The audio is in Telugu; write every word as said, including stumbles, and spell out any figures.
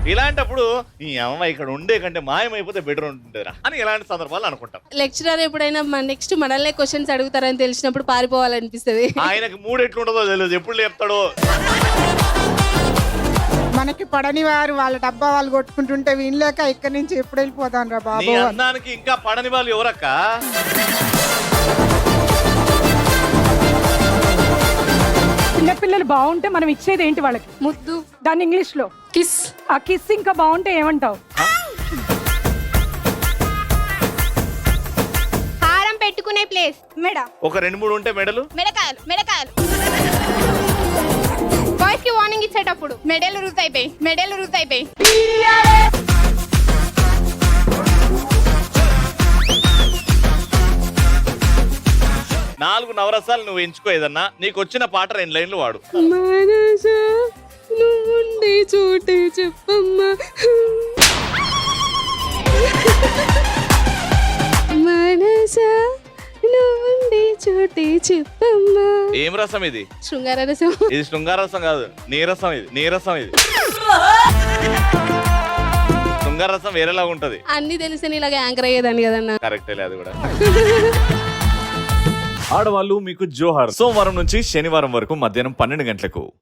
ఇలాంటప్పుడు ఈ అమ్మాయి ఇక్కడ ఉండే కంటే మాయమైపోతే బెటర్ ఉంటుందిరా అని ఇలాంటి సందర్భాలు అనుకుంటాం. లెక్చరర్ ఎప్పుడైనా నెక్స్ట్ మనల్నే క్వశ్చన్స్ అడుగుతారని తెలిసినప్పుడు పారిపోవాలనిపిస్తుంది. ఆయనకి మూడు ఎట్లుంటుందో తెలియదు, ఎప్పుడు లేపుతాడో. మనకి పడని వారు వాళ్ళ డబ్బా వాళ్ళు కొట్టుకుంటుంటే వినలేక ఇక్కడి నుంచి ఎప్పుడు వెళ్ళిపోతాను రా బాబు. నీ అందానికి ఇంకా పడని వాళ్ళు ఎవరక్క? చిన్నపిల్లలు బాగుంటే మనం ఇచ్చేది ఏంటి వాళ్ళకి? ముద్దు, దాన్ని ఇంగ్లీష్ లో కిస్. ఆ కిస్ ఇంకా బాగుంటే ఏమంటావు? హారం పెట్టుకునే ప్లేస్ మెడ. ఒక రెండు మూడు ఉంటే మెడలు, మెడకాయలు మెడకాయలు. బాయ్స్ కి వార్నింగ్ ఇచ్చేటప్పుడు మెడలు రూజ్ అయిపోయి మెడలు రూజ్ అయిపోయి నాలుగు నవరసాలు నువ్వు ఎంచుకో ఏదన్నా. నీకు వచ్చిన పాట రెండు లైన్లు వాడు. మనసా నువ్వుండే చోటే చెప్పమ్మా, మనసా నువ్వుండే చోటే చెప్పమ్మా. ఏం రసం ఇది? శృంగార రసం. ఇది శృంగార రసం కాదు, నీరసం. ఇది నీరసం. ఇది శృంగార రసం వేరేలాగా ఉంటది. అన్ని తెలిసి ఇలాగ యాంకర్ అయ్యేదాన్ని కదన్నా. కరెక్టే లేదు కూడా. ఆడవాళ్ళు మీకు జోహార్. సోమవారం నుంచి శనివారం వరకు మధ్యాహ్నం పన్నెండు గంటలకు